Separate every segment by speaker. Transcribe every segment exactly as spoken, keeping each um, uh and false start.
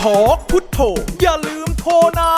Speaker 1: ทอกพุทโธอย่าลืมโทรนะ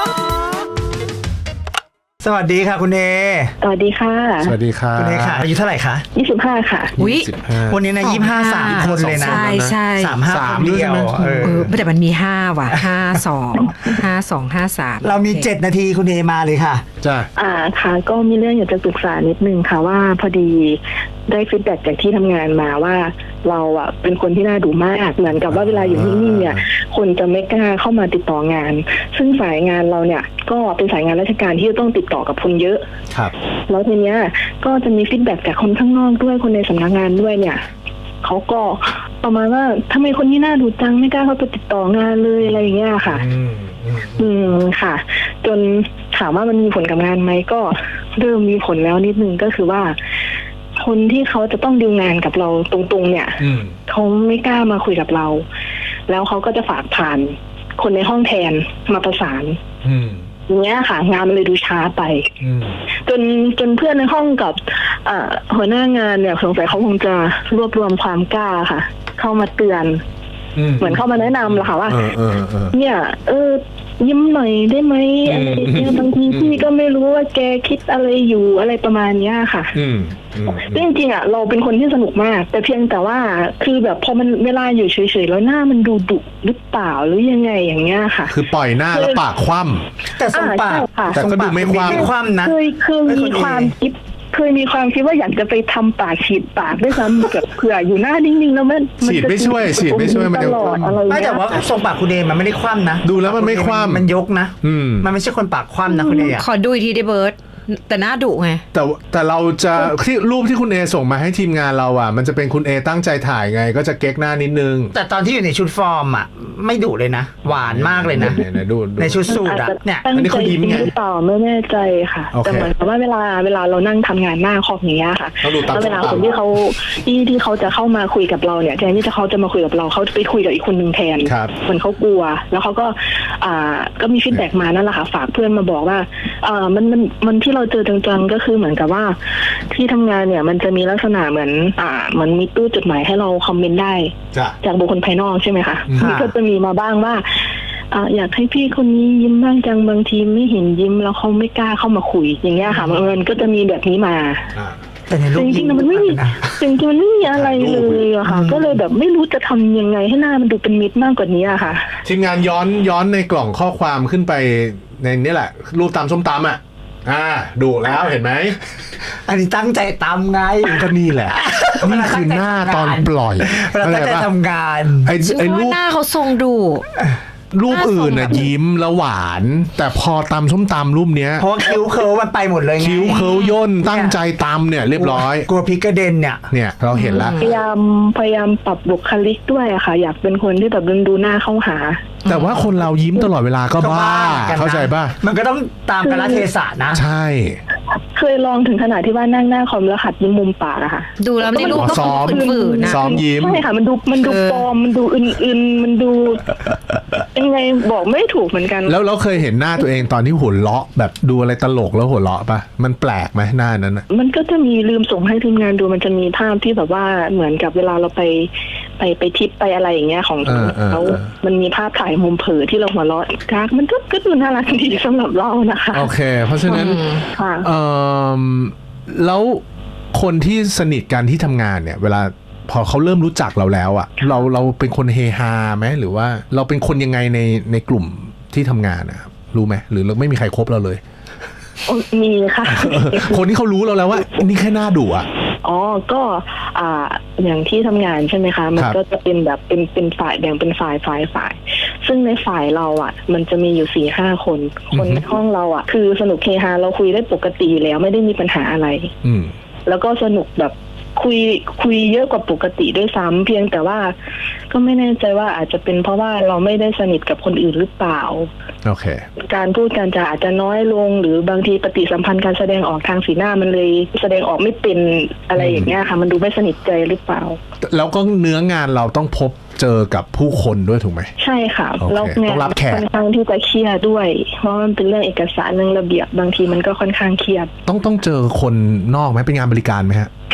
Speaker 2: สวัสดีค่ะคุณเอ
Speaker 3: สวัสดีค่ะ
Speaker 4: สวัสดีค่ะ
Speaker 2: คุณเอค่ะอายุเท่าไหร่คะ
Speaker 3: ยี่สิบห้าค่ะ
Speaker 2: อุ๊ยวันนี้นะยี่สิบห้าสามคนเลยนะ
Speaker 5: ใช่ใช่
Speaker 2: สามห้าคนเดียวเออ
Speaker 5: แต่มันมีห้าว่ะห้าสองห้าสองห้าสาม
Speaker 2: เรามีเจ็ดนาทีคุณเอมาเลยค่ะ
Speaker 4: จ้ะ
Speaker 3: อ่าค่ะก็มีเรื่องอยากจะปรึกษานิดนึงค่ะว่าพอดีได้ฟีดแบ็กจากที่ทำงานมาว่าเราอ่ะเป็นคนที่น่าดูมากเหมือนกับว่าเวลาอยู่นิ่งๆเนี่ยคนจะไม่กล้าเข้ามาติดต่องานซึ่งสายงานเราเนี่ยก็เป็นสายงานราชการที่ต้องติดต่อกับคนเยอะ
Speaker 4: ครับ
Speaker 3: แล้วทีเนี้ยก็จะมีฟีดแบ็กจากคนข้างนอกด้วยคนในสำนักงานด้วยเนี่ยเขาก็ประมาณว่าทำไมคนนี้น่าดูจังไม่กล้าเข้าไปติดต่องานเลยอะไรอย่างเงี้ยค่ะอืมค่ะจนถามว่ามันมีผลกับงานไหมก็เริ่มมีผลแล้วนิดนึงก็คือว่าคนที่เขาจะต้องดีลงานกับเราตรงๆเนี่ยเขาไม่กล้ามาคุยกับเราแล้วเขาก็จะฝากผ่านคนในห้องแทนมาประสานอย่างเงี้ยค่ะงานมันเลยดูช้าไปจนจนเพื่อนในห้องกับหัวหน้างานเนี่ยสงสัยเขาคงจะรวบรวมความกล้าค่ะเข้ามาเตือนเหมือนเข้ามาแนะนำแหละค่ะว่าเนี่ยเออยิ้มหน่อยได้ไหมอะไรเนี่ยบางทีพี่ก็ไม่รู้ว่าแกคิดอะไรอยู่อะไรประมาณเนี้ยค่ะจริงๆอ่ะเราเป็นคนที่สนุกมากแต่เพียงแต่ว่าคือแบบพอมันเวลาอยู่เฉยๆแล้วหน้ามันดูดุหรือเปล่าหรือยังไงอย่างเงี้ยค่ะ
Speaker 4: คือปล่อยหน้าแล้วปากคว่ำ
Speaker 2: แต่ทรงปาก
Speaker 4: แต่ก็ดูไม่คว่
Speaker 2: ำนะ
Speaker 3: เคยเคยมีความคิดเคยมีความคิดว่าอยากจะไปทำปากฉีดปากด้วยซ้ำแบบเผื่ออยู่หน้านิ่งๆแล้วมัน
Speaker 4: ฉีดไม่ช่วยฉีดไม่ช่วยมันจะ
Speaker 2: ไม่แต่ว่าทรงปากคุณเอมันไม่ได้คว่ำนะ
Speaker 4: ดูแล้วมันไม่คว่ำ
Speaker 2: มันยกนะมันไม่ใช่คนปากคว่ำนะคุณเอ
Speaker 5: ขอดูอีกทีได้เบิร์ดแต่หน้าดุไง
Speaker 4: แต่แต่เราจะที่รูปที่คุณเอส่งมาให้ทีมงานเราอ่ะมันจะเป็นคุณเอตั้งใจถ่ายไงก็จะเก๊กหน้านิดนึง
Speaker 2: แต่ตอนที่อยู่ในชุดฟอร์มอ่ะไม่ดุเลยนะหวานมากเลยนะในชุดสูทอ่ะเนี่ย
Speaker 3: อันนี้เขายิ้มไงต่อไม่แน่ใจค่ะแต่เหมือนกับว่าเวลาเวลาเรานั่งทำงานหน้าคอมอย่างเงี้ยค่ะแล้วเวลาคนที่เขาที่ที่เขาจะเข้ามาคุยกับเราเนี่ยแทนที่จะเขาจะมาคุยกับเราเขาไปคุยกับอีกคนนึงแทนเหมือนเขากลัวแล้วเขาก็อ่าก็มีฟีดแบ็กมานั่นแหละค่ะฝากเพื่อนมาบอกว่าอ่ามันมันมันที่เราเจอจังๆก็คือเหมือนกับว่าที่ทำงานเนี่ยมันจะมีลักษณะเหมือนอ่ามันมีตู้จดหมายให้เราคอมเมนต์ได้จากบุคคลภายนอกใช่ไหมคะนี่ก็จะมีมาบ้างว่าอ่าอยากให้พี่คนนี้ยิ้มบ้างจังบางทีไม่เห็นยิ้มแล้วเขาไม่กล้าเข้ามาคุยอย่างเงี้ยค่ะมันก็จะมีแบบนี้มา
Speaker 2: แต่ในรูป
Speaker 3: จริงๆมันไม่มีจริงๆมันไม่มีอะไรเลยอะค่ะก็เลยแบบไม่รู้จะทำยังไงให้หน้ามันดูเป็นมิตรมากกว่านี้อะค่ะ
Speaker 4: ทีมงานย้อนย้อนในกล่องข้อความขึ้นไปในนี่แหละรูปตำส้มตำอ่ะอ่าดูแล้วเห็นไหม
Speaker 2: อันนี้ตั้งใจตำไง
Speaker 4: ก็นี่แหละนี่คือหน้าตอนปล่อย
Speaker 2: เราตั้งใจทำงาน
Speaker 5: ไอ้ไอ้รูปหน้าเขาทรงดุ
Speaker 4: รูปอื่นน่ะยิ้มแล้วหวานแต่พอตำส้มตำรูปเนี้ย
Speaker 2: เพราะคิ้วเคิร์มันไปหมดเลยไง
Speaker 4: คิ้วเคิร์ย่นตั้งใจตำเนี่ยเรียบร้อย
Speaker 2: กลัวพริกกระเด็นเนี่ย
Speaker 4: เนี่ยเราเห็นแล้ว
Speaker 3: พยายามพยายามปรับบุคลิกด้วยอะค่ะอยากเป็นคนที่แบบดูหน้าเข้าหา
Speaker 4: แต่ว่าคนเรายิ้มตลอดเวลาก็บ้าเข้าใจป่ะ
Speaker 2: มันก็ต้องตามกาลเทศะนะ
Speaker 4: ใช่
Speaker 3: เคยลองถึงขนาดที่ว่านั่งหน้าคอมแล้วหัดยิ้มมุมปากอะค่ะ
Speaker 5: ดูแล้วในรูปก็
Speaker 4: ซ้อม
Speaker 5: นะ
Speaker 4: ซ้อมยิ้ม
Speaker 3: ใช่ค่ะมันดูมันดูปลอมมันดูอื่นๆมันดูยังไงบอกไม่ถูกเหมือนกัน
Speaker 4: แล้วเราเคยเห็นหน้าตัวเองตอนที่หัวเราะแบบดูอะไรตลกแล้วหัวเราะป่ะมันแปลกไหมหน้านั้นอะ
Speaker 3: มันก็จะมีลืมส่งให้ทีมงานดูมันจะมีภาพที่แบบว่าเหมือนกับเวลาเราไปไปไปทิปไปอะไรอย่างเงี้ยของเขามันมีภาพถ่ายมุมเผยที่เราหัวเราะกากมันก็ก็ดูน่ารักดีสำหรับเรานะคะ
Speaker 4: โอเคเพราะฉะนั้นเอ่อแล้วคนที่สนิทกันที่ทำงานเนี่ยเวลาพอเขาเริ่มรู้จักเราแล้วอ่ะเราเราเป็นคนเฮฮาไหมหรือว่าเราเป็นคนยังไงในในกลุ่มที่ทำงานนะครับรู้ไหมหรือเราไม่มีใครคบเราเลย
Speaker 3: มีค่ะ
Speaker 4: คนที่เขารู้เราแล้วว่านี่แค่หน้าดุอ่ะ
Speaker 3: อ๋อก็อ่าอย่างที่ทำงานใช่ไหมคะมันก็จะเป็นแบบเป็นเป็นฝ่ายแบ่งเป็นฝ่ายฝ่ายฝ่ายซึ่งในฝ่ายเราอ่ะมันจะมีอยู่สี่ห้าคนคนในห้องเราอ่ะคือสนุกเฮฮาเราคุยได้ปกติแล้วไม่ได้มีปัญหาอะไรแล้วก็สนุกแบบคุยคุยเยอะกว่าปกติด้วยซ้ำเพียงแต่ว่าก็ไม่แน่ใจว่าอาจจะเป็นเพราะว่าเราไม่ได้สนิทกับคนอื่นหรือเปล่า
Speaker 4: โอเค
Speaker 3: การพูดการจาอาจจะน้อยลงหรือบางทีปฏิสัมพันธ์การแสดงออกทางสีหน้ามันเลยแสดงออกไม่เป็นอะไรอย่างเงี้ยค่ะมันดูไม่สนิทใจหรือเปล่า
Speaker 4: แล้วก็เนื้องานเราต้องพบเจอกับผู้คนด้วยถูกไหม
Speaker 3: ใช่ค่ะแล้วงานค่อนข้างที่จะเครียดด้วยเพราะมันเป็นเรื่องเอกสารเรื่องระเบียบบางทีมันก็ค่อนข้างเครียด
Speaker 4: ต้องต้องเจอคนนอกไหมเป็นงานบริการไหมฮะ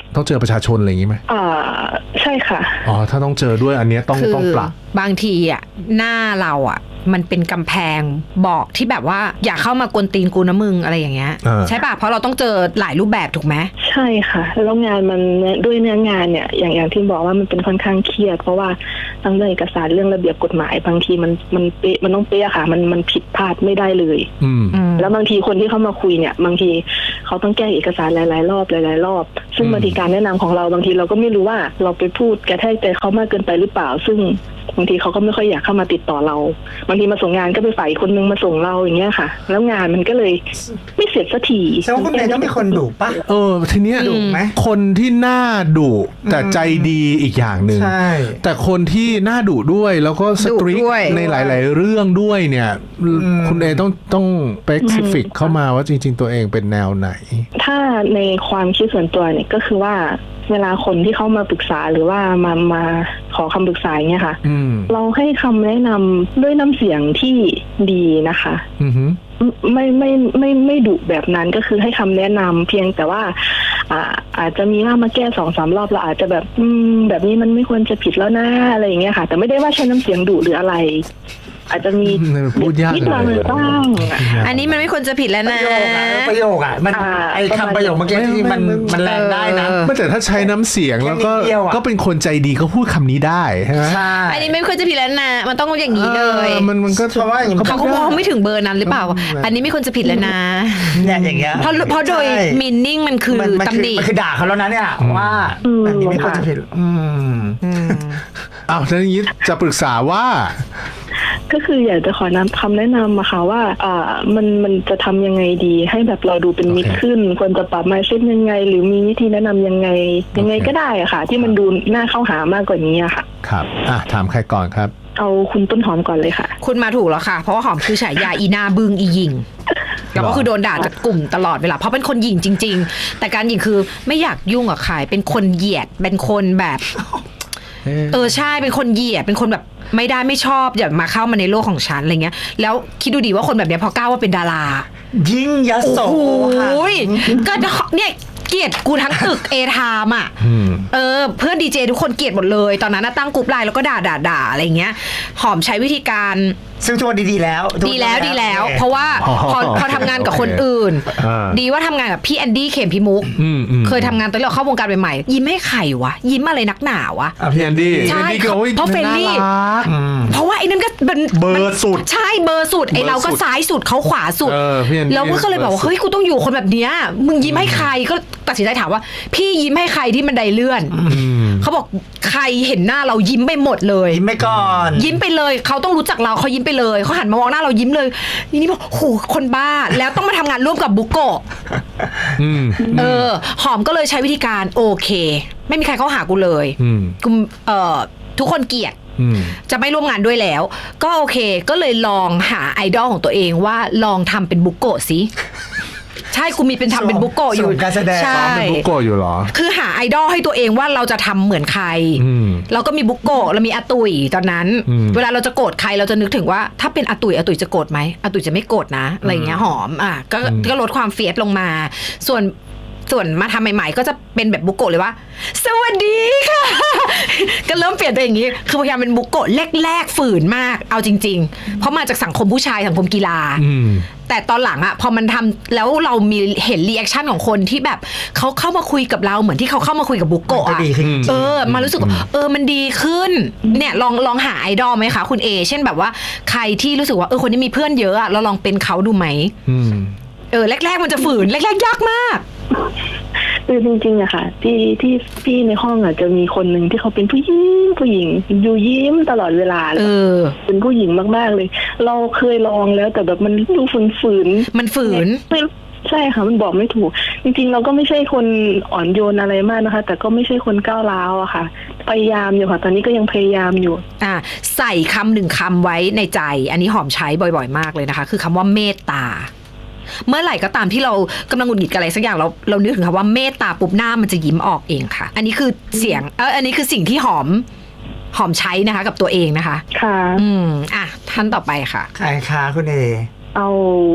Speaker 4: ต้องเจอประชาชนอะไรอย่างงี้ไหม
Speaker 3: อ่าใช่ค่ะ
Speaker 4: อ๋อถ้าต้องเจอด้วยอันเนี้ยต้องต้องปรั
Speaker 5: บบางทีอ่ะหน้าเราอ่ะมันเป็นกำแพงบอกที่แบบว่าอย่าเข้ามากวนตีนกูนะมึงอะไรอย่างเงี้ยใช่ป่ะเพราะเราต้องเจอหลายรูปแบบถูกไหม
Speaker 3: ใช่ค่ะแล้วงานมันด้วยเนื้องานเนี่ยอย่างอย่างที่บอกว่ามันเป็นค่อนข้างเครียดเพราะว่าทั้งเรื่องเอกสารเรื่องระเบียบกฎหมายบางทีมันมันเป๊ะมันต้องเป๊ะค่ะมันมันผิดพลาดไม่ได้เลยแล้วบางทีคนที่เข้ามาคุยเนี่ยบางทีเขาต้องแก้เอกสารหลายๆรอบหลายๆรอบซึ่งบางทีการแนะนำของเราบางทีเราก็ไม่รู้ว่าเราไปพูดกระแทกใจเขามากเกินไปหรือเปล่าซึ่งบางทีเขาก็ไม่ค่อยอยากเข้ามาติดต่อเราบางทีมาส่งงานก็ไปฝ่ายคนนึงมาส่งเราอย่างเงี้ยค่ะแล้วงานมันก็เลยไม่เสร็จสักที
Speaker 2: แสดงว่าคุณเมย์ต้องมีคนดุป่ะ
Speaker 4: เออทีเนี้ย
Speaker 2: ดุไหม
Speaker 4: คนที่หน้าดุแต่ใจดีอีกอย่างหนึ่งแต่คนที่หน้าดุด้วยแล้วก็สตรีทในหลายๆเรื่องด้วยเนี่ยคุณเอต้องต้องสเปซิฟิกเข้ามาว่าจริงๆตัวเองเป็นแนวไหน
Speaker 3: ถ้าในความคิดส่วนตัวเนี่ยก็คือว่าเวลาคนที่เข้ามาปรึกษาหรือว่ามามาขอคำปรึกษาอย่างเงี้ยค่ะเราให้คำแนะนำด้วยน้ำเสียงที่ดีนะคะไม่ไม่ไม่ไม่ดุแบบนั้นก็คือให้คำแนะนำเพียงแต่ว่าอ่าอาจจะมีว่ามาแก้สองสามรอบเราอาจจะแบบอืมแบบนี้มันไม่ควรจะผิดแล้วนะอะไรอย่างเงี้ยค่ะแต่ไม่ได้ว่าใช้น้ำเสียงดุหรืออะไรอาจจะมี
Speaker 4: นิดหน่อย
Speaker 3: บ้าง
Speaker 5: อันนี้มันไม่ควรจะผิดแล้วนะ
Speaker 2: ประโยคอ่ะมันไอ้คำประโยคเมื่อกี้ที่มันมันแรงได้นะ
Speaker 4: ไม่แต่ถ้าใช้น้ำเสียงแล้วก็ก็เป็นคนใจดีก็พูดคำนี้ได้ใช่ไหม
Speaker 5: อันนี้ไม่ควรจะผิดแล้วนะมันต้องอย่างนี้เลย
Speaker 4: มันมันก็
Speaker 2: เพราะว่า
Speaker 5: เขาก็มองไม่ถึงเบอร์นั้นหรือเปล่าอันนี้ไม่ควรจะผิดแล้วนะ
Speaker 2: เนี่ยอย่างเงี้ย
Speaker 5: เพราะเพราะโดยมินนิ่งมันคือตำหนิ
Speaker 2: มันคือด่าเขาแล้วนะเนี่ยว่าอันนี้ไม่ควรจะผิดอืม
Speaker 4: อ้าวแล้วนี้จะปรึกษาว่า
Speaker 3: ก็คืออยากจะขอนำคำแนะนำมาค่ะว่าอ่ามันมันจะทำยังไงดีให้แบบเราดูเป็นมิตรขึ้นควรจะปรับ mindset ยังไงหรือมีวิธีแนะนำยังไงยังไงก็ได้อะค่ะที่มันดูน่าเข้าหามากกว่านี้อะค่ะ
Speaker 4: ครับอ่ะถามใครก่อนครับ
Speaker 3: เอาคุณต้นหอมก่อนเลยค่ะ
Speaker 5: คุณมาถูกแล้วค่ะเพราะว่าหอมคือฉายาอีนาบึงอีหญิงแล้วก็คือโดนด่าจากกลุ่มตลอดเวลาเพราะเป็นคนหญิงจริงๆแต่การหญิงคือไม่อยากยุ่งกับใครเป็นคนเหยียดเป็นคนแบบเออใช่เป็นคนเหยียดเป็นคนแบบไม่ได้ไม่ชอบอย่ามาเข้ามาในโลกของฉันอะไรเงี้ยแล้วคิดดูดีว่าคนแบบนี้พอก้าวว่าเป็นดารา
Speaker 2: ยิ่งยโส
Speaker 5: ค่ะก็เนี่ยเกลียดกูทั้งตึกเอทามอ่ะเออเพื่อนดีเจทุกคนเกลียดหมดเลยตอนนั้นตั้งกลุ่มไลน์แล้วก็ด่าด่าด่าอะไรเงี้ยหอมใช้วิธีการ
Speaker 2: ซึ่งทุกวันดีๆแล้ว
Speaker 5: ดีแล้วดีแล้วเพราะว่าพอพอทำงานกับคนอื่นดีว่าทำงานกับพี่แอนดี้เข็มพิมุกเคยทำงานตอนเราเข้าวงการใหม่ๆยิ้มให้ใครวะยิ้มอะไรนักหนาวะ
Speaker 4: พี่แอนดี้
Speaker 5: ใช่เพราะเฟรนลี่เพราะว่าไอ้นั่นก็เป็น
Speaker 4: เบอร์สุด
Speaker 5: ใช่เบอร์สุดไอ้เราก็ซ้ายสุดเขาขวาสุดแล้วก็เลยบอกว่าเฮ้ยกูต้องอยู่คนแบบเนี้ยมึงยิ้มให้ใครก็ตัดสินใจถามว่าพี่ยิ้มให้ใครที่มันไดเลื่อนเขาบอกใครเห็นหน้าเรายิ้มไปหมดเลย
Speaker 2: ยิ้มไปก่อน
Speaker 5: ยิ้มไปเลยเขาต้องรู้จักเราเขายิ้มไปเลยเขาหันมามองหน้าเรายิ้มเลยนี่บอกโหคนบ้าแล้วต้องมาทำงานร่วมกับบุโกะเออหอมก็เลยใช้วิธีการโอเคไม่มีใครเข้าหากูเลยกูเอ่อทุกคนเกลียดจะไม่ร่วมงานด้วยแล้วก็โอเคก็เลยลองหาไอดอลของตัวเองว่าลองทำเป็นบุโกะสิใช่กูมีเป็นทำเป็นบุโกะอยู่
Speaker 2: การแสดง
Speaker 4: ใช่เป็นบุโกะอยู่หรอ
Speaker 5: คือหาไอดอลให้ตัวเองว่าเราจะทำเหมือนใครเราก็มีบุโกะเรามีอาตุยตอนนั้นเวลาเราจะโกรธใครเราจะนึกถึงว่าถ้าเป็นอาตุยอาตุยจะโกรธไหมอาตุยจะไม่โกรธนะอะไรเงี้ยหอมอ่ะก็ก็ลดความเฟียสลงมาส่วนส่วนมาทำใหม่ๆก็จะเป็นแบบบุโกะเลยว่าสวัสดีค่ะก็เริ่มเปลี่ยนตัวอย่างนี้คือพยายามเป็นบุโกะแรกๆฝืนมากเอาจริงๆเพราะมาจากสังคมผู้ชายสังคมกีฬาแต่ตอนหลังอะพอมันทำแล้วเรามีเห็นรีแอคชั่นของคนที่แบบเขาเข้ามาคุยกับเราเหมือนที่เขาเข้ามาคุยกับบุโกะอะเออมารู้สึกเออมันดีขึ้นเนี่ยลองลองหาไอดอลไหมคะคุณเอเช่นแบบว่าใครที่รู้สึกว่าเออคนนี้มีเพื่อนเยอะอะเราลองเป็นเขาดูไหมเออแรกๆมันจะฝืนแรกๆยากมาก
Speaker 3: คือจริงๆอะค่ะที่ที่พี่ในห้องอะจะมีคนหนึ่งที่เขาเป็นผู้หญิงผู้หญิงอยู่ยิ้มตลอดเวลา
Speaker 5: เออ
Speaker 3: เป็นผู้หญิงมากๆเลยเราเคยลองแล้วแต่แบบมันดูฝืน
Speaker 5: ๆมันฝืน
Speaker 3: ใช่ค่ะมันบอกไม่ถูกจริงๆเราก็ไม่ใช่คนอ่อนโยนอะไรมากนะคะแต่ก็ไม่ใช่คนก้าวร้าวอะค่ะพยายามอยู่ค่ะตอนนี้ก็ยังพยายามอยู่
Speaker 5: อ่าใส่คำหนึ่งคำไว้ในใจอันนี้หอมใช้บ่อยๆมากเลยนะคะคือคำว่าเมตตาเมื่อไหร่ก็ตามที่เรากำลังหงุดหงิดกับอะไรสักอย่างเราเรานึกถึงคำว่าเมตตาปุ๊บหน้ามันจะยิ้มออกเองค่ะอันนี้คือเสียงเอออันนี้คือสิ่งที่หอมหอมใช้นะคะกับตัวเองนะคะ
Speaker 3: ค่ะ
Speaker 5: อืมอ่ะท่านต่อไปค่ะ
Speaker 2: ใครคะคุณเอ
Speaker 3: เอา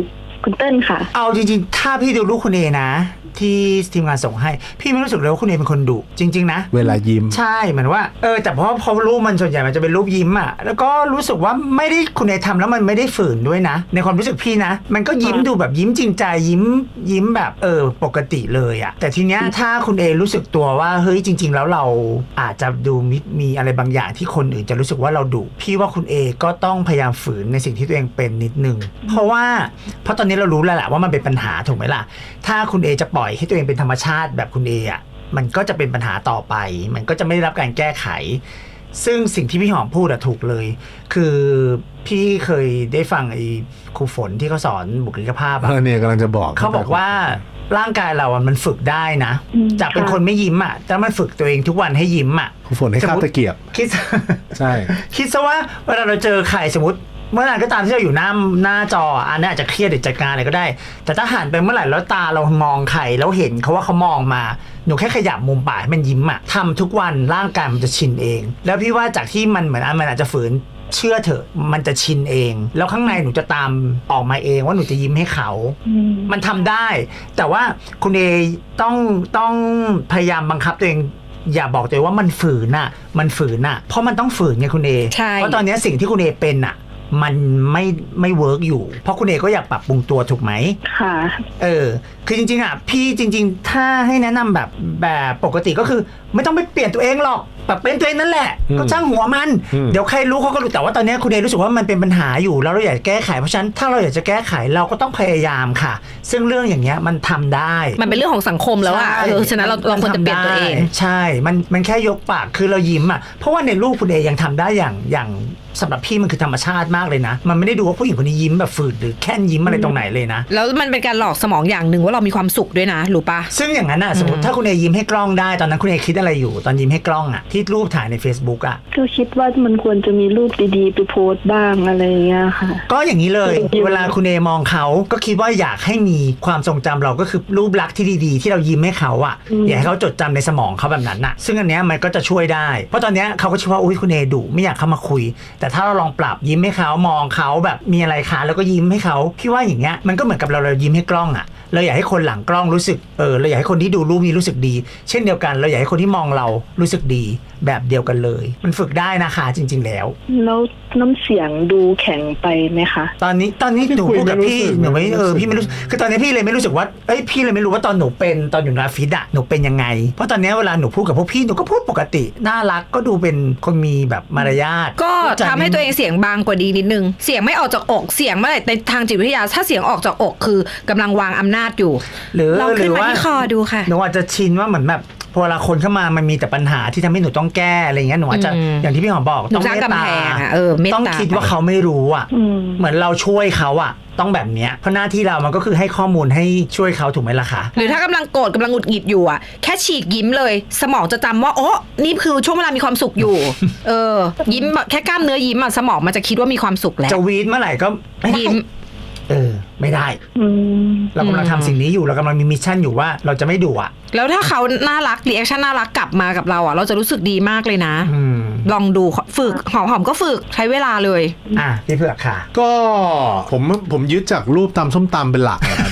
Speaker 3: คุณเติ้ลค่ะ
Speaker 2: เอาจริงๆถ้าพี่ดูรูปคุณเอนะที่ทีมงานส่งให้พี่ไม่รู้สึกเลยว่าคุณเอเป็นคนดุจริงๆนะ
Speaker 4: เวลายิ้ม
Speaker 2: ใช่เหมือนว่าเออแต่เพราะพอรูปมันส่วนใหญ่มันจะเป็นรูปยิ้มอ่ะแล้วก็รู้สึกว่าไม่ได้คุณเอทำแล้วมันไม่ได้ฝืนด้วยนะในความรู้สึกพี่นะมันก็ยิ้มดูแบบยิ้มจริงใจยิ้มยิ้มแบบเออปกติเลยอ่ะแต่ทีเนี้ยถ้าคุณเอรู้สึกตัวว่าเฮ้ยจริงๆแล้วเราอาจจะดูมีมีอะไรบางอย่างที่คนอื่นจะรู้สึกว่าเราดุพี่ว่าคุณเอก็ต้องพยายามฝืนในสิ่งที่ตัวเองเป็นนิดนึงเพราะว่าเพราะตอนนี้เรารู้แล้วแหละว่ามันเป็นปัญหาถูกไหมล่ะถ้าคุณเอจะปล่อยให้ตัวเองเป็นธรรมชาติแบบคุณเออ่ะมันก็จะเป็นปัญหาต่อไปมันก็จะไม่ได้รับการแก้ไขซึ่งสิ่งที่พี่หอมพูดอะถูกเลยคือพี่เคยได้ฟังไอ้ครูฝนที่เขาสอนบุคลิกภาพอะ
Speaker 4: เนี่ยกำลังจะบอก
Speaker 2: เขาบอกว่าร่างกายเราอะมันฝึกได้นะจากเป็นคนไม่ยิ้มอะแต่มันฝึกตัวเองทุกวันให้ยิ้มอะ
Speaker 4: ครูฝนให้คาบตะเกียบ
Speaker 2: คิด
Speaker 4: ใช่
Speaker 2: คิดซะว่าเวลาเราเจอใครสมมติเมื่อไหร่ก็ตามที่เราอยู่หน้าหน้าจออันนี้อาจจะเครียดหรือจัดการอะไรก็ได้แต่ถ้าหันไปเมื่อไหร่แล้วตาเรามองใครแล้วเห็นเขาว่าเขามองมาหนูแค่ขยับมุมปากให้มันยิ้มอะทำทุกวันร่างกายมันจะชินเองแล้วพี่ว่าจากที่มันเหมือนมันอาจจะฝืนเชื่อเถอะมันจะชินเองแล้วข้างในหนูจะตามออกมาเองว่าหนูจะยิ้มให้เขามันทำได้แต่ว่าคุณเอต้องต้องพยายามบังคับตัวเองอย่าบอกตัวเองว่ามันฝืนน่ะมันฝืนน่ะเพราะมันต้องฝืนไงคุณเอเพราะตอนนี้สิ่งที่คุณเอเป็นน่ะมันไม่ไม่เวิร์กอยู่เพราะคุณเอก็อยากปรับปรุงตัวถูกไหม
Speaker 3: ค่ะ
Speaker 2: เออคือจริงๆอ่ะพี่จริงๆถ้าให้แนะนำแบบแบบปกติก็คือไม่ต้องไปเปลี่ยนตัวเองหรอกแบบเป็นตัวเองนั่นแหละก็ช่างหัวมันเดี๋ยวใครรู้เขาก็รู้แต่ว่าตอนนี้คุณเอรู้สึกว่ามันเป็นปัญหาอยู่แล้วเราอยากแก้ไขเพราะฉะนั้นถ้าเราอยากจะแก้ไขเราก็ต้องพยายามค่ะซึ่งเรื่องอย่างเงี้ยมันทำได้
Speaker 5: มันเป็นเรื่องของสังคมแล้วอ่ะเออฉะนั้นเราเราควรจะเปลี่ยนตัวเอง
Speaker 2: ใช่มันมันแค่ยกปากคือเรายิ้มอ่ะเพราะว่าในรูปคุณเอยังทำได้อย่างอย่างสำหรับพี่มันคือธรรมชาติมากเลยนะมันไม่ได้ดูว่าผู้หญิงคนนี้ยิ้มแบบฝืดหรือแค่ยิ้มอะไรตรงไหนเลยนะ
Speaker 5: แล้วมันเป็นการหลอกสมองอย่างหนึ่งว่าเรามีความสุขด้วยนะรู้ปะ
Speaker 2: ซึ่งอย่างนั้นอ่ะสมมติถ้าคุณเอยิ้มให้กล้องได้ตอนนั้นคุณเอคิดอะไรอยู่ตอนยิ้มให้กล้องอ่ะที่รูปถ่ายใน Facebook อ่ะ
Speaker 3: ก็คิดว่ามันควรจะมีรูปดีๆไปโพสต์บ้างอะไรอย่างเงี้ยค่ะ
Speaker 2: ก็อย่างนี้เลยเวลาคุณเอมองเขาก็คิดว่าอยากให้มีความทรงจำเราก็คือรูปลักษณ์ที่ดีๆที่เรายิ้มให้เขาอ่ะอยากให้เขาจดจำในสมองเขาแบบนั้นน่ะซึ่งอันเนี้ยมันก็จะช่วยได้เพราะตอนเนี้ยเขาก็คิดว่าอุ้ยคุณเอดุไม่อยากเข้ามาคุยแต่ถ้าเราลองปรับยิ้มให้เขามองเขาแบบมีอะไรคะแล้วก็ยิ้มให้เขาพี่ว่าอย่างเงี้ยมันก็เหมือนกับเราเรายิ้มให้กล้องอ่ะเราอยากให้คนหลังกล้องรู้สึกเออเราอยากให้คนที่ดูรูปนี้รู้สึกดีเช่นเดียวกันเราอยากให้คนที่มองเรารู้สึกดีแบบเดียวกันเลยมันฝึกได้นะคะจริงๆแล้ว
Speaker 3: แล้วน้ำเสียงดูแข็งไปไหมคะ
Speaker 2: ตอนนี้ตอนนี้หนูพูดกับพี่หนูไม่เออพี่ไม่รู้คือตอนนี้พี่เลยไม่รู้สึกว่าเอ้ยพี่เลยไม่รู้ว่าตอนหนูเป็นตอนอยู่ในออฟฟิศอะหนูเป็นยังไงเพราะตอนนี้เวลาหนูพูดกับพวกพี่หนูก็พูดปกติน่ารักก็ดูเป็นคนมีแบบมารยาท
Speaker 5: ก็ทำให้ตัวเองเสียงบางกว่าดีนิดนึงเสียงไม่ออกจากอกเสียงเมื่อไหร่ในทางจิตวิทยาถ้าเสียงออกจากอกคือกำลังวางอำนาจอยู่
Speaker 2: หรือ
Speaker 5: ลองขึ้นมาที่คอดูค่ะ
Speaker 2: หนูอาจจะชินว่าเหมือนแบบพอเวลาคนเข้ามามันมีแต่ปัญหาที่ทำให้หนูต้องแก้อะไรเงี้ยหนูอาจจะอย่างที่พี่หอมบอก
Speaker 5: ต้องเมตตา
Speaker 2: ต้องคิดว่าเขาไม่รู้อ่ะเหมือนเราช่วยเขาอ่ะต้องแบบเนี้ยเพราะหน้าที่เรามันก็คือให้ข้อมูลให้ช่วยเขาถูกไหมล่ะคะ
Speaker 5: หรือถ้ากำลังโกรธกำลังหงุดหงิดอยู่อ่ะแค่ฉีกยิ้มเลยสมองจะจำว่าโอ้นี่คือช่วงเวลามีความสุขอยู่ เออยิ้มแค่กล้ามเนื้อยิ้มอ่ะสมองมันจะคิดว่ามีความสุขแล้ว
Speaker 2: จะวีดเมื่อไหร่ก็ยิ้มเออไม่ได้เรากำลังทำสิ่งนี้อยู่เรากำลังมีมิชชั่นอยู่ว่าเราจะไม่ดุอ่ะ
Speaker 5: แล้วถ้าเขาน่ารักรีแอคชั่นน่ารักกลับมากับเราอ่ะเราจะรู้สึกดีมากเลยนะลองดูฝึกหอมหอมก็ฝึกใช้เวลาเลย
Speaker 2: อ่ะพี่เผือกค่ะ
Speaker 4: ก็ผมผมยึดจากรูปตำส้มตำเป็นหลักนะครับ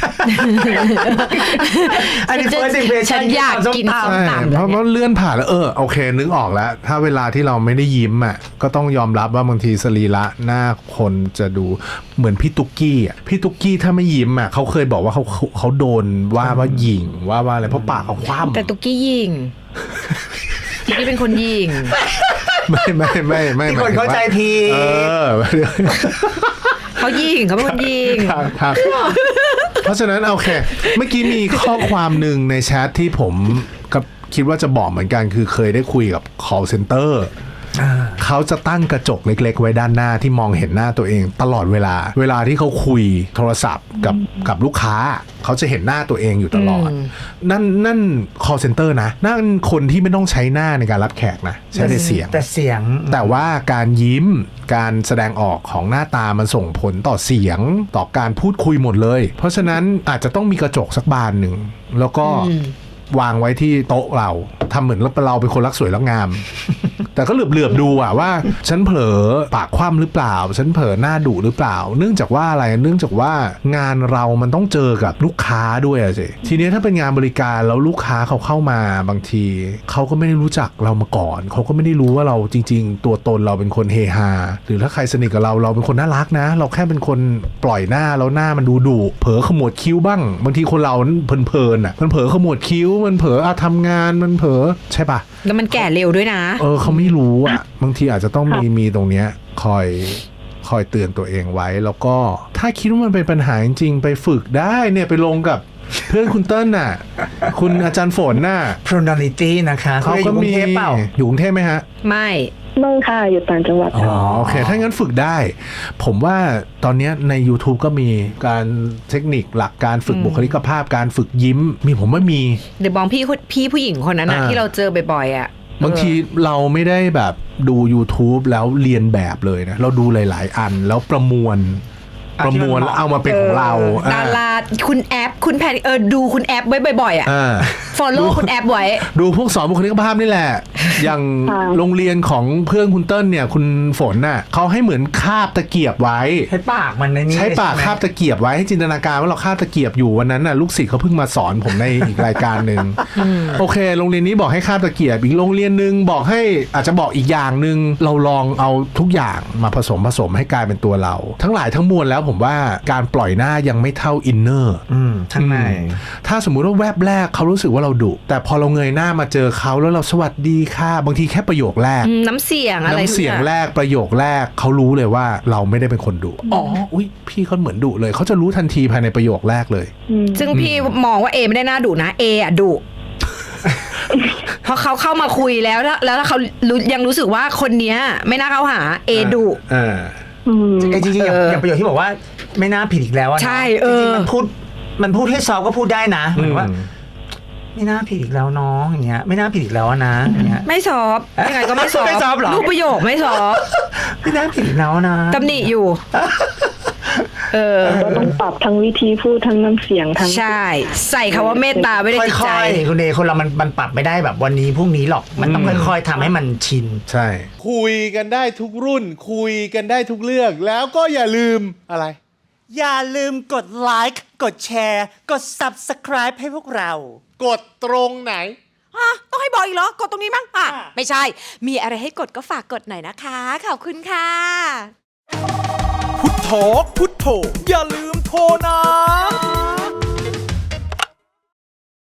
Speaker 2: อันนี้ first impression
Speaker 5: ฉันอยากกินส้มตำ
Speaker 4: เพราะว่าเลื่อนผ่านแล้วเออโอเคนึกออกแล้วถ้าเวลาที่เราไม่ได้ยิ้มอ่ะก็ต้องยอมรับว่าบางทีสรีระหน้าคนจะดูเหมือนพี่ตุ๊กกี้อ่ะพี่ตุ๊กกี้ถ้าไม่ยิ้มอ่ะเขาเคยบอกว่าเขาเขาโดนว่าว่าหยิ่งว่าว่าอะไรเพราะปากเขาคว่ำ
Speaker 5: แต่ตุ๊กกี้ยิงตุ๊กกี้เป็นคนยิง
Speaker 4: ไม่ไม่ไม่ไม่
Speaker 2: ที่คนเข้าใจผิดเออ
Speaker 5: เขายิงเขาเป็นคนยิง
Speaker 4: ครับเพราะฉะนั้นโอเคเมื่อกี้มีข้อความหนึ่งในแชทที่ผมกับคิดว่าจะบอกเหมือนกันคือเคยได้คุยกับ call centerเขาจะตั้งกระจกเล็กๆไว้ด้านหน้าที่มองเห็นหน้าตัวเองตลอดเวลาเวลาที่เขาคุยโทรศัพท์กับกับลูกค้าเขาจะเห็นหน้าตัวเองอยู่ตลอดนั่นนั่น call center นะนั่นคนที่ไม่ต้องใช้หน้าในการรับแขกนะใช้แต่เสียง
Speaker 2: แต่เสียง
Speaker 4: แต่ว่าการยิ้มการแสดงออกของหน้าตามันส่งผลต่อเสียงต่อการพูดคุยหมดเลยเพราะฉะนั้นอาจจะต้องมีกระจกสักบานหนึ่งแล้วก็วางไว้ที่โต๊ะเราทำเหมือนเราเป็นคนรักสวยรักงาม แต่ก็เหลือบๆดูอะว่าฉันเผลอปากคว่ำหรือเปล่าฉันเผลอหน้าดุหรือเปล่าเนื่องจากว่าอะไรเนื่องจากว่างานเรามันต้องเจอกับลูกค้าด้วยอะสิทีนี้ถ้าเป็นงานบริการแล้วลูกค้าเขาเข้ามาบางทีเขาก็ไม่ได้รู้จักเรามาก่อนเขาก็ไม่ได้รู้ว่าเราจริงๆตัวตนเราเป็นคนเฮฮาหรือถ้าใครสนิทกับเราเราเป็นคนน่ารักนะเราแค่เป็นคนปล่อยหน้าแล้วหน้ามันดูดุเผลอขมวดคิ้วบ้างบางทีคนเราเพลินๆอ่ะมันเผลอขมวดคิ้วมันเผลออะทำงานมันเผลอใช่ปะ
Speaker 5: แล้วมันแก่เร็วด้วยนะ
Speaker 4: เออเขาไม่รู้อ่ะบางทีอาจจะต้องมีมีตรงเนี้ยคอยคอยเตือนตัวเองไว้แล้วก็ถ้าคิดว่ามันเป็นปัญหาจริงๆไปฝึกได้เนี่ยไปลงกับเพื่อนคุณเติ้ลน่ะคุณอาจารย์ฝนน่ะ
Speaker 2: Pronality นะคะเขาก็มี
Speaker 4: อยู่กรุงเทพไหมฮะ
Speaker 5: ไม่
Speaker 3: ไม่ค่ะอยู่ต่างจังหวัด
Speaker 4: อ๋อโอเคถ้างั้นฝึกได้ผมว่าตอนนี้ใน YouTube ก็มีการเทคนิคหลักการฝึกบุคลิกภาพการฝึกยิ้มมีผมว่ามี
Speaker 5: เดี๋ยวบองพี่พี่ผู้หญิงคนนั้นนะที่เราเจอบ่อยๆอ่ะ
Speaker 4: บางทีเราไม่ได้แบบดู YouTube แล้วเรียนแบบเลยนะเราดูหลายๆอันแล้วประมวลประมวลแล้วเอามาเป็นของเรา
Speaker 5: ดาราคุณแอปคุณแพทเออดูคุณแอปไว้บ่อยๆอ่ะ follow คุณแอปไว้
Speaker 4: ดูพวกสอนบุคลิกภาพนี่แหละอย่างโรงเรียนของเพื่อนคุณเติ้ลเนี่ยคุณฝนน่ะเขาให้เหมือนคาบตะเกียบไว้
Speaker 2: ใช้ปากมันในนี้
Speaker 4: ใช้ปากคาบตะเกียบไว้ให้จินตนาการว่าเราคาบตะเกียบอยู่วันนั้นน่ะลูกศิษย์เขาเพิ่งมาสอนผมในอีกรายการนึงโอเคโรงเรียนนี้บอกให้คาบตะเกียบอีกโรงเรียนนึงบอกให้อาจจะบอกอีกอย่างนึงเราลองเอาทุกอย่างมาผสมผสมให้กลายเป็นตัวเราทั้งหลายทั้งมวลแล้วผมว่าการปล่อยหน้ายังไม่เท่าอินเนอร์
Speaker 2: ข้างใน
Speaker 4: ถ้าสมมุติว่าแวบแรกเขารู้สึกว่าเราดุแต่พอเราเงยหน้ามาเจอเขาแล้วเราสวัสดีค่ะบางทีแค่ประโยคแรก
Speaker 5: น้ำเสียงอะไร
Speaker 4: น้ำเสียงแรกประโยคแรกเขารู้เลยว่าเราไม่ได้เป็นคนดุอ๋ออุ้ยพี่เขาเหมือนดุเลยเขาจะรู้ทันทีภายในประโยคแรกเลย
Speaker 5: ซึ่งพี่มองว่าเอไม่ได้น่าดุนะเออะดุพอเขาเข้ามาคุยแล้วแล้วถ้าเขายังรู้สึกว่าคนเนี้ยไม่น่าเข้าหาเอดุ
Speaker 2: ไอ้จริงๆอย่างประโยคที่บอกว่าไม่น่าผิดอีกแล้วนะ
Speaker 5: ใช่เออ
Speaker 2: มันพูดมันพูดให้ซอฟก็พูดได้นะเหมือนว่าไม่น่าผิดอีกแล้วน้องอย่างเงี้ยไม่น่าผิดอีกแล้วนะอย่างเงี้ย
Speaker 5: ไม่ซอฟยังไงก็ไม่ซอฟ
Speaker 2: ไม่ซอฟหรอ
Speaker 5: รูปประโยคไม่ซอฟ
Speaker 2: ไม่น่าผิดอีกแล้วนะ
Speaker 5: ตำหนิอยู่เออ
Speaker 3: ก็ต้องปรับทั้งวิธีพูดทั้งน้ำเสียงทั้ง
Speaker 5: ใช่ใส่คำว่าเมตตาไว้ในจิตใจ
Speaker 2: คุณเอคนเรามันมันปรับไม่ได้แบบวันนี้พรุ่งนี้หรอกมันต้องค่อยๆทำให้มันชิน
Speaker 4: ใช่
Speaker 1: คุยกันได้ทุกรุ่นคุยกันได้ทุกเรื่องแล้วก็อย่าลืมอะไรอย่าลืมกดไลค์กดแชร์กด ซับสไครบ์ ให้พวกเรากดตรงไหน
Speaker 6: ฮะต้องให้บอกอีกเหรอกดตรงนี้มั้งอ่ะไม่ใช่มีอะไรให้กดก็ฝากกดหน่อยนะคะขอบคุณค่ะ
Speaker 1: พุทโธพุทโธอย่าลืมโทรนะ